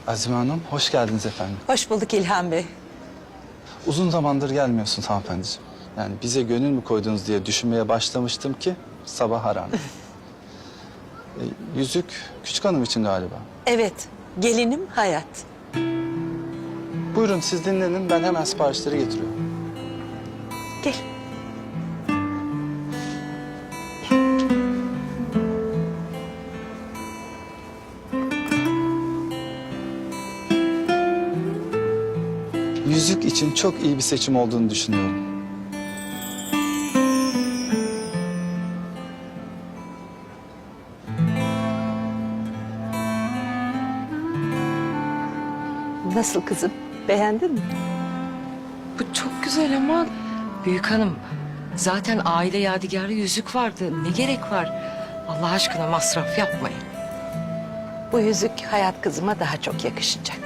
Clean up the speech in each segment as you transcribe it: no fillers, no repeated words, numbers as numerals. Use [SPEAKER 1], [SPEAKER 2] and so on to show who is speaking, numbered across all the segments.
[SPEAKER 1] Azime Hanım, hoş geldiniz efendim.
[SPEAKER 2] Hoş bulduk İlhan Bey.
[SPEAKER 1] Uzun zamandır gelmiyorsunuz hanımefendiciğim. Yani bize gönül mü koydunuz diye düşünmeye başlamıştım ki sabah arandı. Yüzük küçük hanım için galiba.
[SPEAKER 2] Evet, gelinim Hayat.
[SPEAKER 1] Buyurun siz dinlenin, ben hemen siparişleri getiriyorum.
[SPEAKER 2] Gel.
[SPEAKER 1] Yüzük için çok iyi bir seçim olduğunu düşünüyorum.
[SPEAKER 2] Nasıl kızım? Beğendin mi?
[SPEAKER 3] Bu çok güzel ama büyük hanım zaten aile yadigarı yüzük vardı. Ne gerek var? Allah aşkına masraf yapmayın.
[SPEAKER 2] Bu yüzük Hayat kızıma daha çok yakışacak.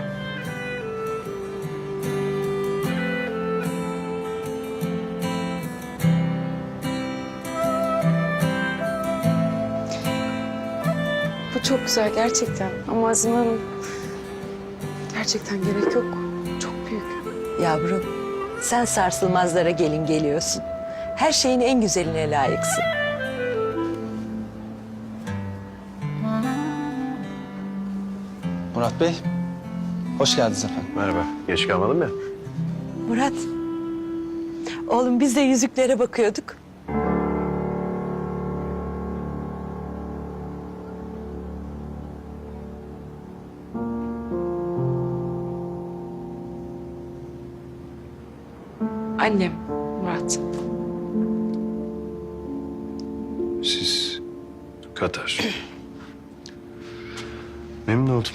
[SPEAKER 4] Bu çok güzel gerçekten. Ama Azime Hanım gerçekten gerek yok. Çok büyük.
[SPEAKER 2] Yavrum, sen sarsılmazlara gelin geliyorsun. Her şeyin en güzeline layıksın.
[SPEAKER 1] Murat Bey, hoş geldiniz efendim.
[SPEAKER 5] Merhaba. Geç kalmadın mı?
[SPEAKER 2] Murat, oğlum biz de yüzüklere bakıyorduk.
[SPEAKER 4] Annem, Murat.
[SPEAKER 5] Siz Katar. Memnun oldum.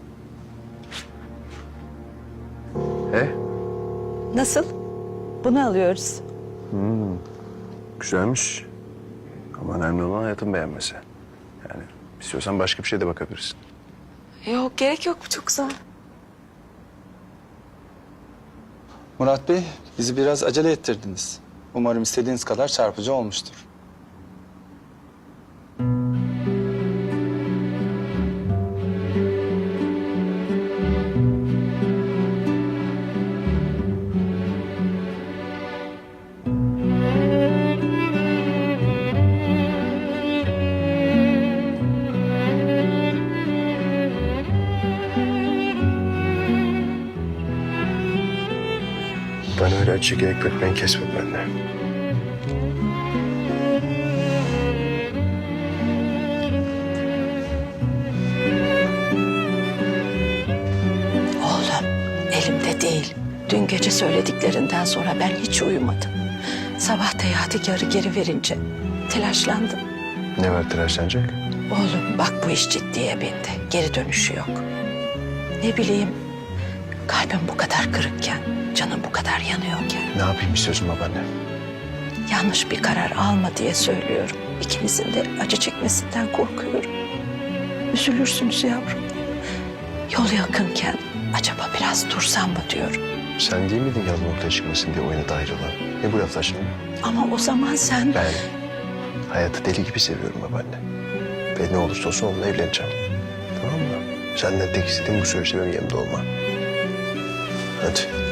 [SPEAKER 2] Nasıl? Bunu alıyoruz.
[SPEAKER 5] Güzelmiş. Ama önemli olan hayatın beğenmesi. Yani istiyorsan başka bir şeye de bakabilirsin.
[SPEAKER 4] Yok gerek yok, bu çok güzel.
[SPEAKER 1] Murat Bey, bizi biraz acele ettirdiniz. Umarım istediğiniz kadar çarpıcı olmuştur.
[SPEAKER 5] Ben öyle açık ekmek kesmedim benden.
[SPEAKER 2] Oğlum, elimde değil. Dün gece söylediklerinden sonra ben hiç uyumadım. Sabah da yadigarı geri verince telaşlandım.
[SPEAKER 5] Ne var telaşlanacak?
[SPEAKER 2] Oğlum bak bu iş ciddiye bindi. Geri dönüşü yok. Ne bileyim, kalbim bu kadar kırıkken, canım bu kadar yanıyorken
[SPEAKER 5] Ne yapayım istiyorsun babaanne?
[SPEAKER 2] yanlış bir karar alma diye söylüyorum. İkinizin de acı çekmesinden korkuyorum. Üzülürsünüz yavrum. Yol yakınken acaba biraz dursam mı diyorum.
[SPEAKER 5] Sen değil miydin yalan ortaya çıkmasın diye oyuna dahil olan? Ne bu laflar şimdi?
[SPEAKER 2] Ama o zaman sen...
[SPEAKER 5] Ben hayatı deli gibi seviyorum babaanne. Ve ne olursa olsun onunla evleneceğim. Tamam mı? Senden tek istediğim bu süreçte benim yanımda olman. Hadi.